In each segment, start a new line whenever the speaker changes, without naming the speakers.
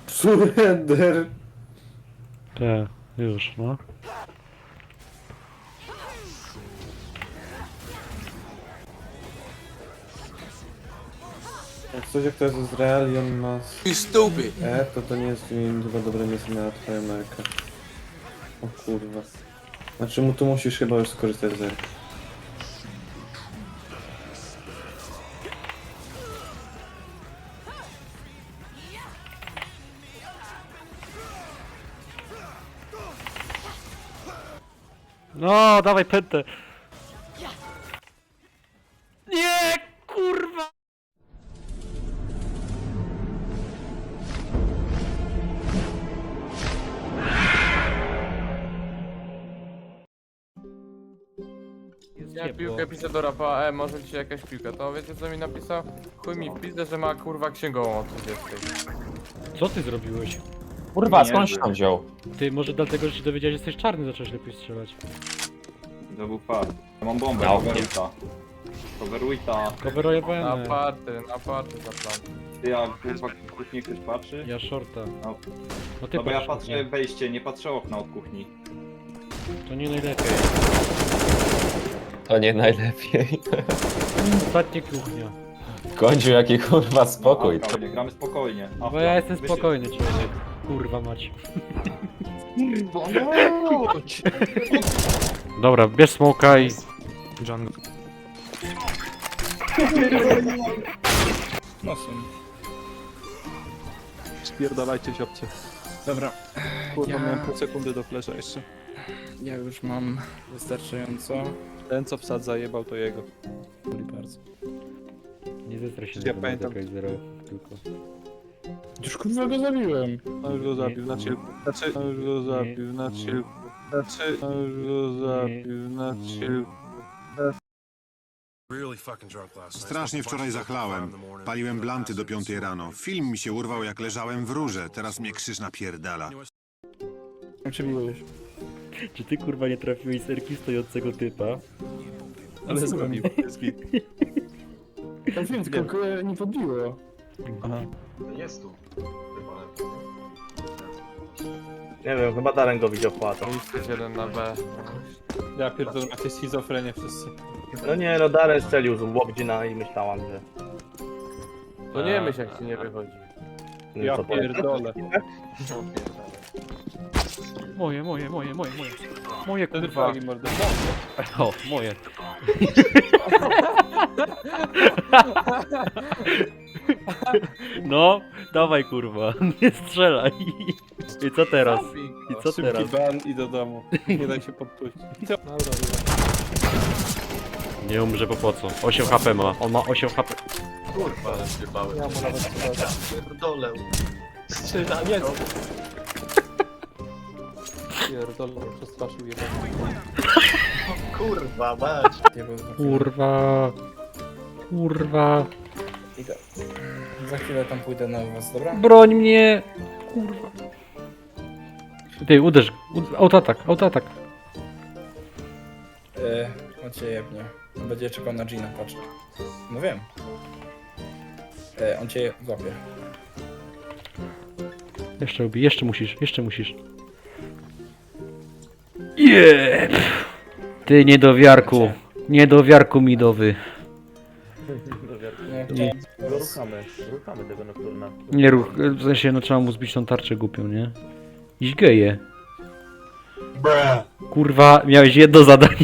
Surrender.
Tak, już, no.
Jak coś jak to jest Izrael i on ma
You stupid.
to nie jest chyba dobre miejsce na twoją Amerykę. O kurwa. Znaczy mu tu musisz chyba już skorzystać z Erki.
No, dawaj pętę. Nie, kurwa!
Ja piłkę piszę do rapa, może ci jakaś piłka, to wiecie co mi napisał? Chuj mi w pizdę, że ma kurwa księgową o 30.
Co ty zrobiłeś?
Kurwa, skąd się tam wziął?
Ty, może dlatego, że się dowiedziałeś, że jesteś czarny, zacząłeś lepiej strzelać.
To był fart. Ja mam bombę,
No,
coverwita. Coverwita.
Coverowałem.
Na party za plan.
Ty, ja kurwa kuchni ktoś patrzy?
Ja shorta.
No,
No ty
no bo ja
patrz,
patrzę wejście, nie patrzę okna od kuchni.
to nie najlepiej.
To nie najlepiej.
Ostatnia kuchnia.
W końcu jaki kurwa spokój.
Spokojnie, gramy spokojnie.
Bo ja jestem spokojny człowiek. Kurwa mać. Dobra, bierz smoka i...
Nosem. Spierdalajcie siopcie. Dobra. Kurwa, miałem pół sekundy do flesza jeszcze.
Ja już mam wystarczająco.
Ten co wsad zajebał to jego.
Dziękuję bardzo.
Nie zestraj się,
Ja
że
pamiętam.
zagrać zero, tylko...
Już kurwa go zabiłem.
No już go zabił na chillku. Znaczy, no już go zabił na chillku. Znaczy, no już go zabił na chillku.
Strasznie wczoraj zachlałem. Paliłem blanty do 5 rano. Film mi się urwał jak leżałem w rurze. Teraz mnie krzyż napierdala.
Przebiłeś.
Czy ty kurwa nie trafiłeś z erki stojącego typa?
Ale zrobił. Jest git.
Tam film tylko nie podbiło.
Aha.
Nie wiem, chyba Darren go widział płatą.
Jest jeden na B.
Ja pierdolę, macie schizofrenię wszyscy.
No nie, no Darren strzelił z Łobdzina i myślałam, że...
To nie myśl jak ci nie wychodzi.
No
Ja
co,
pierdolę.
Moje. Moje
Ten
kurwa.
fragi mordę.
O, moje. No, dawaj kurwa, nie strzelaj. I co teraz? I co teraz?
Szybki ban i do domu. Nie daj się podpuścić. Dobra,
Nie umrze po co? 8 HP ma, on ma 8 HP.
ja mu nawet pierdolę. Strzela, jest! Pierdolę, przestraszył jeden.
Kurwa, mać.
Kurwa.
Idę. Za chwilę tam pójdę na was, dobra?
Broń mnie! Kurwa. Ty, uderz, autoatak.
On cię jebnie. On będzie czekał na Gina, patrz. No wiem. On cię złapie.
Jeszcze ubij, jeszcze musisz. Yeah! Ty niedowiarku midowy.
Nie,
Ruchamy tego nocturna.
Nie ruch, w sensie no trzeba mu zbić tą tarczę głupią, nie? Iść geje. Kurwa, miałeś jedno zadanie.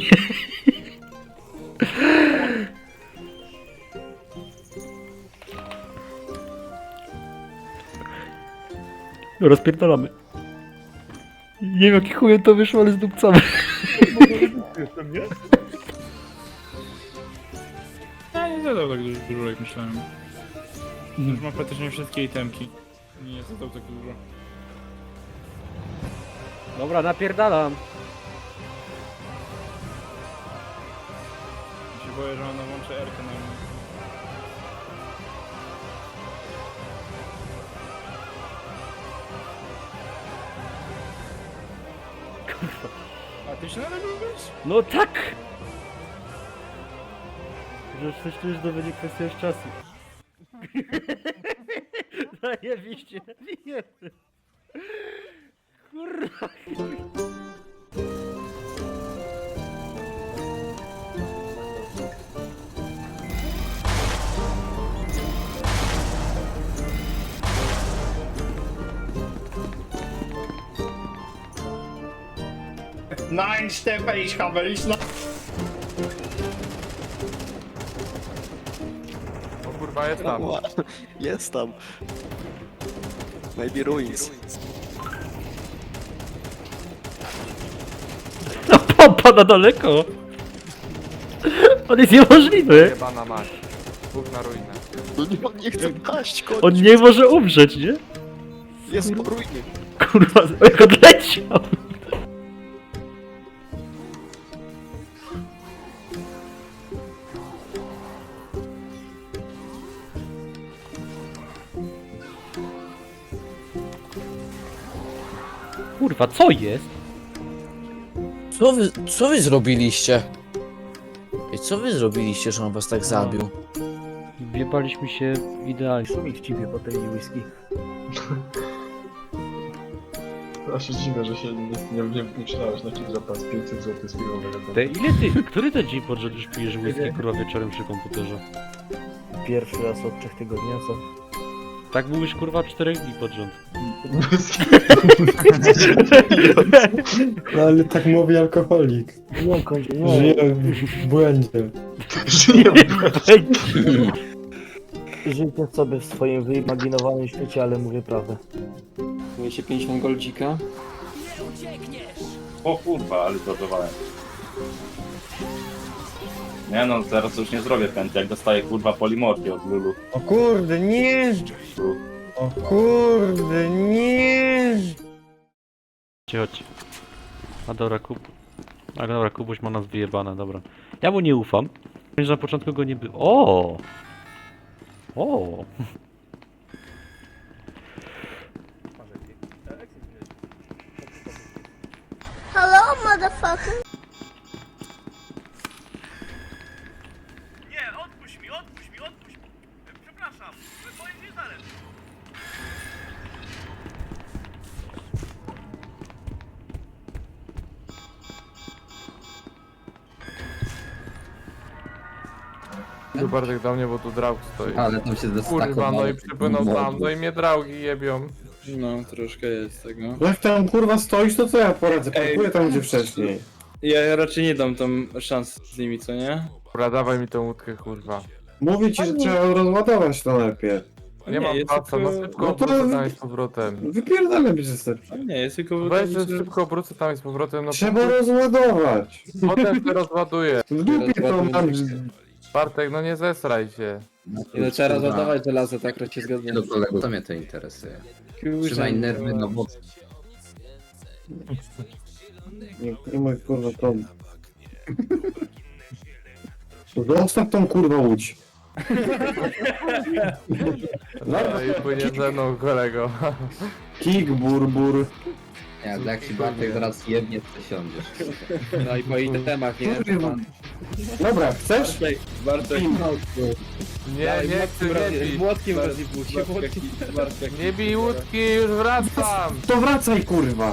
Rozpierdolamy. Nie wiem jaki chujem to wyszło, ale zdupcamy.
Ja nie zadał tak dużo jak myślałem. Już mam praktycznie wszystkie itemki. Nie zadał tak dużo.
Dobra, napierdalam.
Ja się boję, że ona włączy R-kę na mnie. A ty się nadal lubisz?
No tak! Że coś tu już to będzie kwestia już czasu. Zajebiście. Kurwa.
Nein, Stefan, ich habe nicht noch...
O kurwa, jest tam.
Jest tam. Maybe ruins.
Ta pompa na daleko. On jest niemożliwy.
Jebana mać. Bóg na ruinę.
On nie chce paść, koń.
On nie może umrzeć, nie?
Jest po ruinie.
Kurwa, jak odleciał. Kurwa, co jest?
Co wy zrobiliście? I co wy zrobiliście, że on was tak zabił?
Wjebaliśmy się idealnie.
Co mi chciwie po tej whisky?
Ja się dziwię, że się nie przydałeś na Kidropa z 500 zł z firmowego.
Te, ile ty, który to dzień pod rząd już pijesz whisky, kurwa, wieczorem przy komputerze?
Pierwszy raz od 3 tygodni, a co?
Tak mówisz, kurwa, 4 dni pod rząd.
No ale tak mówi alkoholik.
Nie, kończę,
Żyje w błędzie.
Żyjcie sobie w swoim wyimaginowanym świecie, ale mówię prawdę.
Mówię się 50 goldzika.
O kurwa, ale zadowałem. Nie no, teraz już nie zrobię pętli, jak dostaję kurwa polimorfię od Lulu.
O kurde, nie! O kurde, nie!
Chodź. A dobra, A dobra, Kubuś ma nas wyjebane, dobra. Ja mu nie ufam. Że na początku go nie było. O! O!
Hello, motherfucker.
Nie, odpuść mi! Przepraszam, to jest nie zależy.
Tu Bartek do mnie, bo tu Draug stoi.
Ale tam się
Kurwa, no i przypłynął tam, no i mnie Draugi jebią.
No, troszkę jest tego.
Jak tam kurwa stoisz, to co ja poradzę? Parkuję tam gdzie wcześniej.
Ja raczej nie dam tam szans z nimi, co nie?
Dobra, dawaj mi tą łódkę, kurwa.
Mówię ci, że trzeba rozładować to najpierw.
Nie mam
jest
paca, no
tylko-
szybko
no to-
obrócę tam i z powrotem.
Wypierdamy przez
Nie, jest tylko...
Weź, że szybko obrócę tam i z powrotem, no
Trzeba rozładować.
potem się rozładuję.
W dupie to mam.
Bartek, no nie zesraj się.
No, trzeba rozładować żelazo, tak się zgadzam.
Do kolego, to mnie to interesuje. Trzymaj nerwy na boku.
Nie mój kurwa problem. Zostaw tą kurwa łódź.
No i płynie ze mną, kolego.
Kik, burbur.
Jak ci Bartek zaraz jebnie, to siądziesz.
No i po itemach, nie?
Dobra, chcesz?
Bartek,
Nie, nie chcę, nie bij.
młotkiem rozjebujcie, Bartek.
Nie bij łódki, już wracam.
To wracaj kurwa.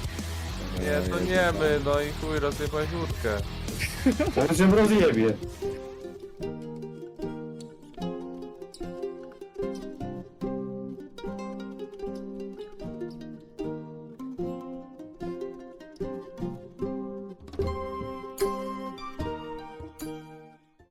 Nie, to nie my, no i chuj, rozjebałeś łódkę.
Teraz się rozjebie.